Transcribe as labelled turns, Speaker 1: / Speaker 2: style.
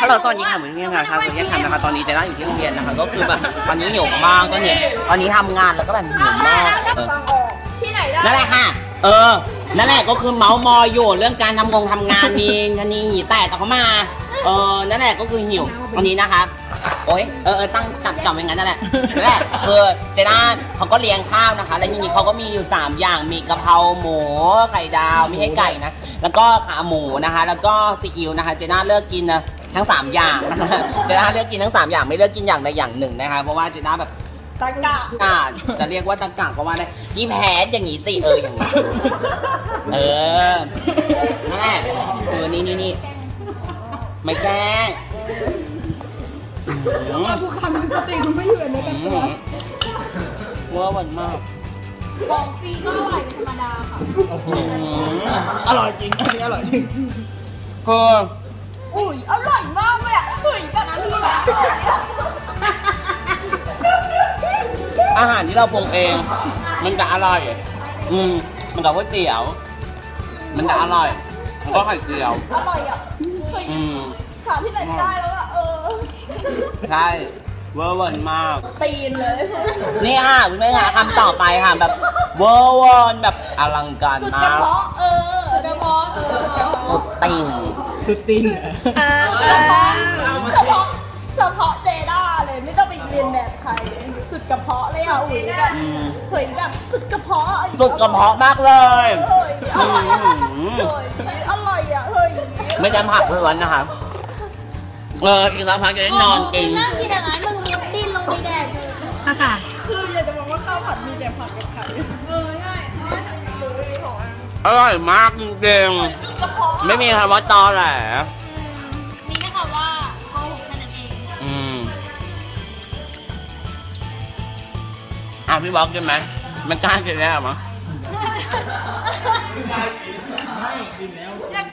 Speaker 1: ฮัลโหลสวัสดีค่ะเหมือนเพื่อนค่ะครับเหมือนเพื่อนค่ะนะคะตอนนี้เจน่าอยู่ที่โรงเรียนนะคะก็คือแบบตอนนี้หิวมากก็เนี่ยตอนนี้ทำงานแล้วก็แบบหิวมาก
Speaker 2: ที่ไหนได้
Speaker 1: นั่นแหละค่ะนั่นแหละก็คือเมาส์มอยอยู่เรื่องการทำงานมีทันนี้หีแตกเขามานั่นแหละก็คือหิวตอนนี้นะคะโอ๊ยตั้งจับอย่างนั้นนั่นแหละนั่นแหละเจน่าเขาก็เลี้ยงข้าวนะคะแล้วทีนี้เขาก็มีอยู่3อย่างมีกะเพราหมูไข่ดาวไม่ใช่ไก่นะแล้วก็ขาหมูนะคะแล้วก็ซีอิ๊วนะคะเจน่าเลือกกินนะทั้ง3อย่างนะคะเจน่าเลือกกินทั้ง3อย่างไม่เลือกกินอย่างใดอย่างหนึ่งนะคะเพราะว่าเจน่าแบบ
Speaker 2: ตะกะ
Speaker 1: จะเรียกว่าตะกะก็ว่าได้ยี่แพ้อย่างนี้สิอย่างนี้นั่นแหละนี่ไม่แกล้ง
Speaker 2: ผู้คำสติคุณไม่อยู่ในกันตัว
Speaker 1: ว่าวันมาก
Speaker 2: ของฟรีก็อร่อยธรรมดาค่ะ
Speaker 3: อร่อยจริงอันนี้อร่อยจริง
Speaker 1: ก็
Speaker 2: อุ้ยอร่อยมากเลยอ่ะเฮ้ยแบบน้ำพี่แบบ
Speaker 1: อาหารที่เราปรุงเองมันจะอร่อยมันกับก๋วยเตี๋ยวมันจะอร่อยแล้วก็ไข่เจียว
Speaker 2: อร่อยอ่ะถามที่ไหนได้แล้วอ่ะ
Speaker 1: ใช่เวอร์วันมาก
Speaker 2: ตีนเลย
Speaker 1: นี่ค่ะคุณแม่ค่ะคำต่อไปค่ะแบบเวอร์วันแบบอลังการมากสุดกระเพาะสุดติ่ง
Speaker 3: สุดติ่ง
Speaker 2: เฉพาะเจด้าเลยไม่ต้องไปเรียนแบบใครสุดกระเพาะเลยอ่ะอุ้ยแบบเฮ้ยแบบสุดกระเพาะ
Speaker 1: สุดกระเพาะมากเลย
Speaker 2: อร่อยอ่ะเฮ้ย
Speaker 1: ไม่จำผักล้วนนะคะอีกสักพักจะได้นอนกิน
Speaker 2: นั่งกินอย่างนั้นมึงดิ้นลงไปแดกเลย
Speaker 3: ค่ะ
Speaker 2: คืออยากจะบอกว่าข้าวผัดมีแต่ผักกับไข่ใช่
Speaker 1: อร่อยมากจริงๆไม่มีคำว่าตอแหล
Speaker 2: มีแค่คำว่าโกหกแค่นั้นเอง
Speaker 1: พี่บอกใช่ไหมมันกล้ากินแล้วมั้ง
Speaker 2: อยาก